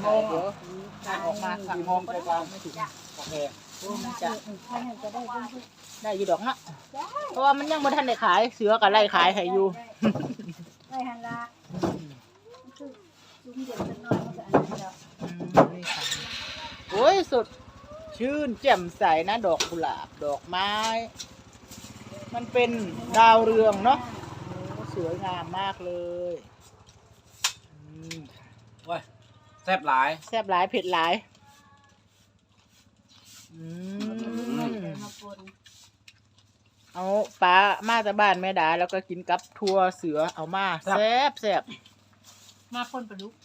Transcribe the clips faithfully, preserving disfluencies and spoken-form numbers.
โมงเดี๋ยวการออกมาสั่งโมงก็ได้ไม่ถึงโอเคมันจะได้อยู่ดอกนะเพราะว่ามันยังบ่ทันได้ขายเสือกับไล่ขายให้อยู่ไล่หันละคือซุ้มเด็กน้อยมันก็อันนั้นแล้วนี่ค่ะโอ้ยสุดชื่นแจ่มใสนะดอกกุหลาบดอกไม้มันเป็นดาวเรืองเนาะสวยงามมากเลยว้ยแซ่บหลายแซ่บหลายเผ็ดหลายเอาปลามาจากบ้านแม่ดาแล้วก็กินกับทัวเสือเอามาแซ่บแซ่บมาคนประดุก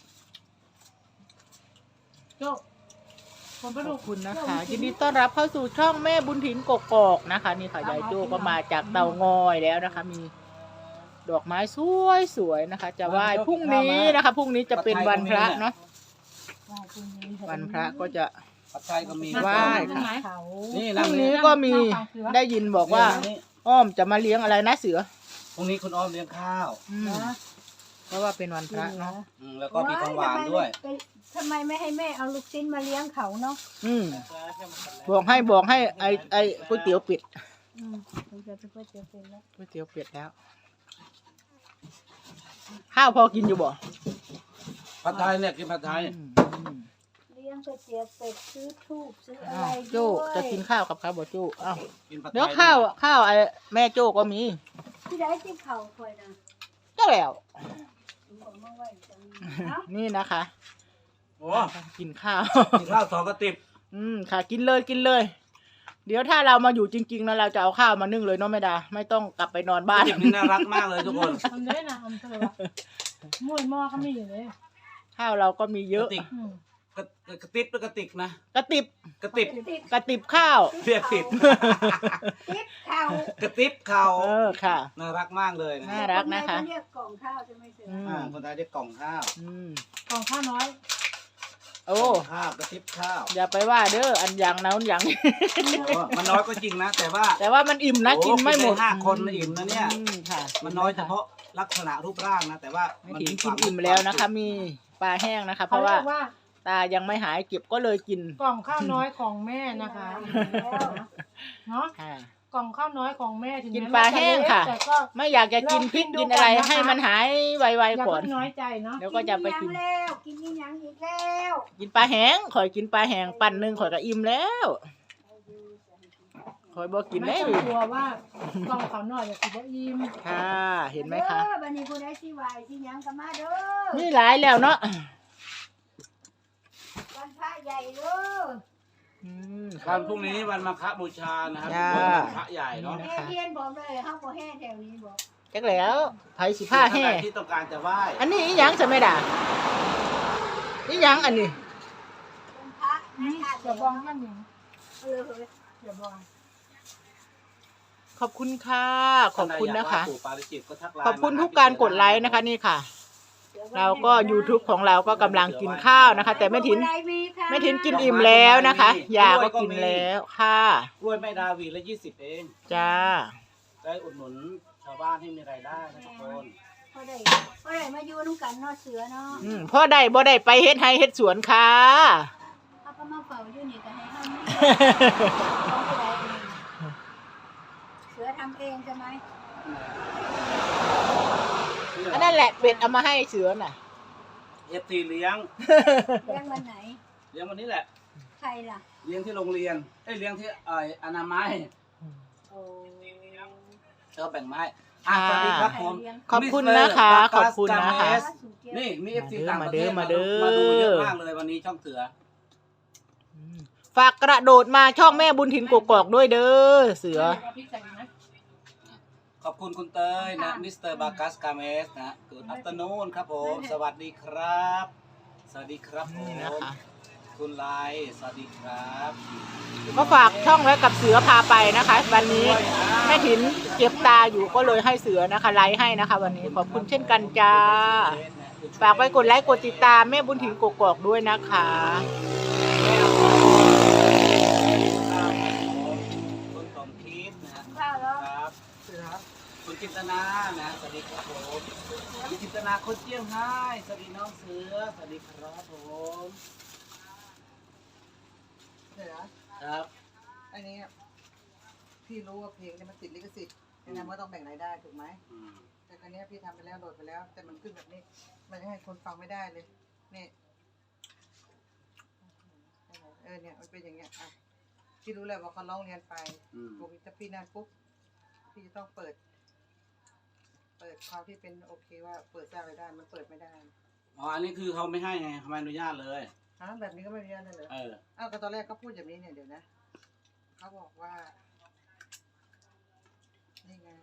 โจ้คนประดุกคุณนะคะยินดีต้อนรับเข้าสู่ช่องแม่บุญถิ่นกกอกนะคะนี่ค่ะยายโจ้ก็มาจากเตางอยแล้วนะคะมีดอกไม้สวยสวยนะคะจะไหว้พรุ่งนี้นะคะพรุ่งนี้จะเป็นวันพระเนาะวันพระก็จะผัดไทยก็มีไหว้ค่ะนี่พรุ่งนี้ก็มีได้ยินบอกว่าอ้อมจะมาเลี้ยงอะไรนะเสือพรุ่งนี้คุณอ้อมเลี้ยงข้าวเพราะว่าเป็นวันพระเนาะแล้วก็มีของหวานด้วยทำไมไม่ให้แม่เอาลูกชิ้นมาเลี้ยงเขาเนาะอืมบอกให้บอกให้ไอไอก๋วยเตี๋ยวเป็ดอืมจะเป็นก๋วยเตี๋ยวเป็ดแล้วก๋วยเตี๋ยวเป็ดแล้วข้าวพอกินอยู่บ่ผัดไทยเนี่ยกินผัดไทยเลี้ยงก๋วยเตี๋ยวเป็ดซื้อทูบซื้ออะไรโจ้จะกินข้าวกับข้าวบ่โจ้อ้าวเดี๋ยวข้าวข้าวไอแม่โจ้ก็มีที่ได้ที่เขาคอยนะก็แล้วนี่นะคะโอ้กินข้าวกินข้าวสองกระติบอืมค่ะกินเลยกินเลยเดี๋ยวถ้าเรามาอยู่จริงๆนะเราจะเอาข้าวมานึ่งเลยเนาะแม่ดาไม่ต้องกลับไปนอนบ้านนี่น่ารักมากเลยทุกคนทำได้นะทำเถอะมวยหม้อเขามีอยู่เลยข้าวเราก็มีเยอะกระติบกระติบนะกระติบกระติบกระติบข้าวเรียกผิดข้าวกระติบข้าวเออค่ะน่ารักมากเลยน่ารักนะคะเรียกกล่องข้าวใช่ไหมเสืออ่าคนไทยเรียกกล่องข้าวกล่องข้าวน้อยโอ้ข้าวกระติบข้าวอย่าไปว่าเด้ออันอย่างนั้นอย่างมันน้อยก็จริงนะแต่ว่าแต่ว่ามันอิ่มนะกินไม่หมดห้าคนอิ่มนะเนี่ยมันน้อยเฉพาะลักษณะรูปร่างนะแต่ว่ามันกินกินอิ่มแล้วนะคะมีปลาแห้งนะคะเพราะว่าตายังไม่หายเก็บก็เลยกินกล่องข้าวน้อยของแม่นะคะเนาะกล่องข้าวน้อยของแม่ถึงกินปลาแห้งค่ะไม่อยากจะกินพริกกินอะไรให้มันหายไวๆก่อนน้อยใจเนาะเดี๋ยวก็จะไปกินแล้วกินยังอีกแล้วกินปลาแห้งข่อยกินปลาแห้งปั่นหนึ่งข่อยก็อิ่มแล้วข่อยบอกกินแล้วกลัวว่ากล่องข้าวน้อยจะกินได้อิ่มค่ะเห็นไหมคะบันนี้คุณได้ที่วายที่ยังกันมาเด้อนี่หลายแล้วเนาะวันพระใหญ่เด้อวันพรุ่งนี้วันมาฆบูชานะครับวันพระใหญ่เนาะเทียนบอกเลยห้ามบ่แห่แถวนี้บอกจักแล้วไผสิผ้าแห่ที่ต้องการจะไหว้อันนี้อีหยังจะไม่ด่าอีหยังอันนี้พระอย่าบองนั่นอย่างเอออย่าบองขอบคุณค่ะขอบคุณนะคะขอบคุณทุกการกดไลค์นะคะนี่ค่ะเราก็ ยูทูบ ของเราก็กำลังกินข้าวนะคะแต่แม่ถินแม่ถินกินอิ่มแล้วนะคะยาก็กินแล้วค่ะกล้วยแม่ดาวีละยี่สิบเองจ้าได้อุดหนุนชาวบ้านให้มีรายได้นะทุกคนพ่อได้พ่อได้มาอยู่นุ่งกันนอเสือเนาะอืมพ่อได้บ่ได้ไปเฮ็ดไร่เฮ็ดสวนค่ะเขาก็มาเฝ้าอยู่นี่ก็ให้ทำเสือทำเองใช่ไหมอันนั่นแหละเป็ดเอามาให้เสือน่ะเอฟซีเลี้ยงเลี้ยงวันไหนเลี้ยงวันนี้แหละใครล่ะเลี้ยงที่โรงเรียนเอ้ยเลี้ยงที่ไอ้อนามัยโอ้เออแบ่งไม้อ่ะสวัสดีครับผมขอบคุณนะคะขอบคุณนะคะนี่มีเอฟซีต่างประเทศมาดูมาดูเยอะมากเลยวันนี้ช่องเสือฝากกระโดดมาช่องแม่บุญถิ่นกกอกด้วยเด้อเสือขอบคุณคุณเตยนะมิสเตอร์บากัสกาเมสนะกูดอัปเตอร์นูนครับผมสวัสดีครับสวัสดีครับผมคุณไลสวัสดีครับก็ฝากช่องไว้กับเสือพาไปนะคะวันนี้แม่ถินเก็บตาอยู่ก็เลยให้เสือนะคะไลค์ให้นะคะวันนี้ขอบคุณเช่นกันจ้าฝากไว้กดไลค์กดติดตามแม่บุญถิ่นกกอกด้วยนะคะคุณสมคิดนะครับคุณจินตนานะสวัสดีครับผมคุณจินตนาคนเจียงไฮ้สวัสดีน้องเสือสวัสดีครับผมเดี๋ยวนะครับอันนี้พี่รู้ว่าเพลงเนี่ยมันติดลิขสิทธิ์ดังนั้นก็ต้องแบ่งรายได้ถูกไหมอืมแต่ครั้นี้พี่ทำไปแล้วโหลดไปแล้ว แต่มันขึ้นแบบนี้ มันจะให้คนฟังไม่ได้เลยนี่เออเนี่ยมันเป็นอย่างเงี้ยอ่ะพี่รู้แล้วว่าเขาร้องเรียนไปอืมปุ๊บถ้าพี่นั่นปุ๊บพี่จะต้องเปิด เปิดความที่เป็นโอเคว่าเปิดสร้างรายได้มันเปิดไม่ได้อ๋ออันนี้คือเขาไม่ให้ไงเขาไม่อนุญาตเลยฮะแบบนี้ก็ไม่อนุญาตได้เลยเอออ้าวก็ตอนแรกก็พูดแบบนี้เนี่ยเดี๋ยวนะเขาบอกว่านี่ไง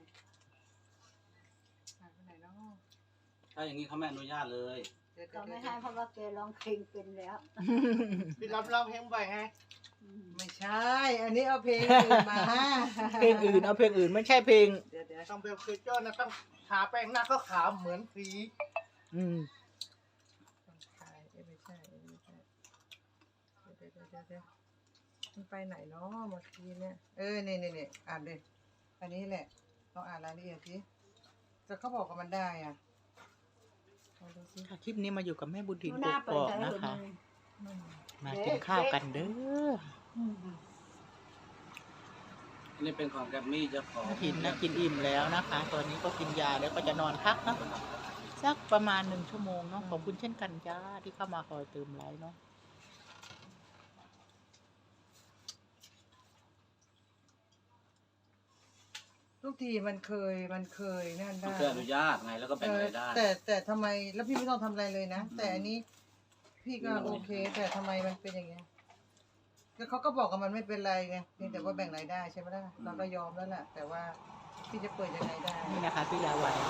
หายไปไหนเนาะถ้าอย่างนี้เขาไม่อนุญาตเลยเดี๋ยวเดี๋ก็ยวไม่เดี๋ยวให้เพราะว่าแกร้องเพลงเป็นแล้วพี่รับร้องเพลงบ่อยไงไม่ใช่ อันนี้เอาเพลงอื่นมาเพลงอื่นเอาเพลงอื่นไม่ใช่เพลงเดี๋ยวเดี๋ยวต้องเบลคือโจ้นะต้องทาแป้งหน้าก็ขาวเหมือนสีอืมต้องถ่ายเอ้ยไม่ใช่เอ้ยไม่ใช่เดี๋ยวเดี๋ยวเดี๋ยวเดี๋ยวมันไปไหนเนาะเมื่อกี้เนี่ยเออนี่นี่นี่อ่านเลยอันนี้แหละลองอ่านรายละเอียดสิแต่เขาบอกว่ามันได้อ่ะเอาดูสิค่ะคลิปนี้มาอยู่กับแม่บุญถิ่นหกน้าเปิกดอกใจนะเลยคะอืมมากินข้าวกันเด้ออันนี้เป็นของแกรมมี่เจ้าของแม่ถิ่นนะกินอิ่มแล้วนะคะ ตอนนี้ก็กินยาแล้วก็จะนอนพักเนาะสักประมาณหนึ่งชั่วโมงเนาะขอบคุณเช่นกันจ้าที่เข้ามาคอยเติมไลน์เนาะทุกทีมันเคยมันเคยนั่นมันได้คืออนุญาตไงแล้วก็เอแบ่งอรายได้แต่แต่ทำไมแล้วพี่ไม่ต้องทำอะไรเลยนะแต่อันนี้ พี่ก็โอเค แต่ทำไมมันเป็นอย่างเงี้ยก็เขาก็บอกว่ามันไม่เป็นไรไงเพียงแต่ว่าแบ่งรายได้ใช่ไหมล่ะเราก็ยอมแล้วแหละแต่ว่าพี่จะเปิดยังไงได้นี่นะคะพี่ลาวัน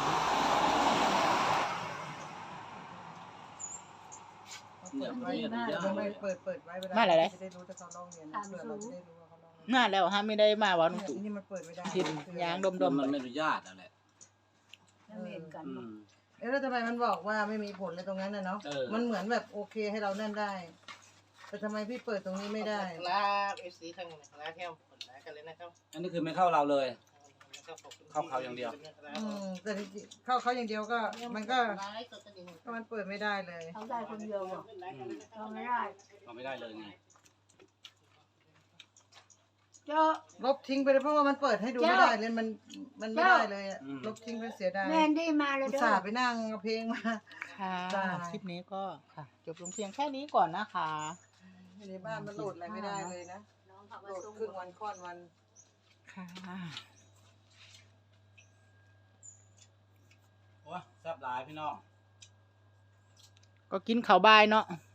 เนี่ยเปิดมันไว้ไม่อนุญาตไม่เปิดเปิดไว้เวลาจะได้รู้ถ้าเขาร้องเรียนเผื่อเราจะได้รู้ว่าเขาร้องเรียนน่าแล้วฮะไม่ได้มาวันเนี่ยศุกนี่มันเปิดไม่ได้ทินยางดมมันไม่อนุญาตนั่นแหละแล้วเห็นกันอืมเอ๊ะแล้วทำไมมันบอกว่าไม่มีผลเลยตรงนั้นน่ะเนาะเออมันเหมือนแบบโอเคให้เรานั่นได้ แต่ทำไมพี่เปิดตรงนี้ไม่ได้ลาเอฟซีทั้งลาเที่ยวผลลากันเลยนะครับอันนี้คือไม่เข้าเราเลยแล้วก็ขอบคุณเข้าเขาอย่างเดียวอืมแต่จริงๆเข้าเขาอย่างเดียวก็ มันก็ก็มันเปิดไม่ได้เลยเขาได้คนเดียวหรอกเราไม่ได้เราไม่ได้เลยไงเจ้าลบทิ้งไปเลยเพราะว่ามันเปิดให้ดูไม่ได้เลยมันมันไม่ได้เลยอะอืมลบทิ้งไปเสียดายแมนดี้มาเลยอุตเด้อส่าห์ไปนั่งเอาเพลงมาค่ะจ้าคลิปนี้ก็ค่ะ จบลงเพียงแค่นี้ก่อนนะคะอยู่ในบ้านมันโหลดอะไรไม่ได้เลยนะน้องเขาโหมาลดส่งครึ่งวันค่อนวันค่ะโอ้ยแซ่บหลายพี่น้องก็กินข้าวบ่ายเนาะอ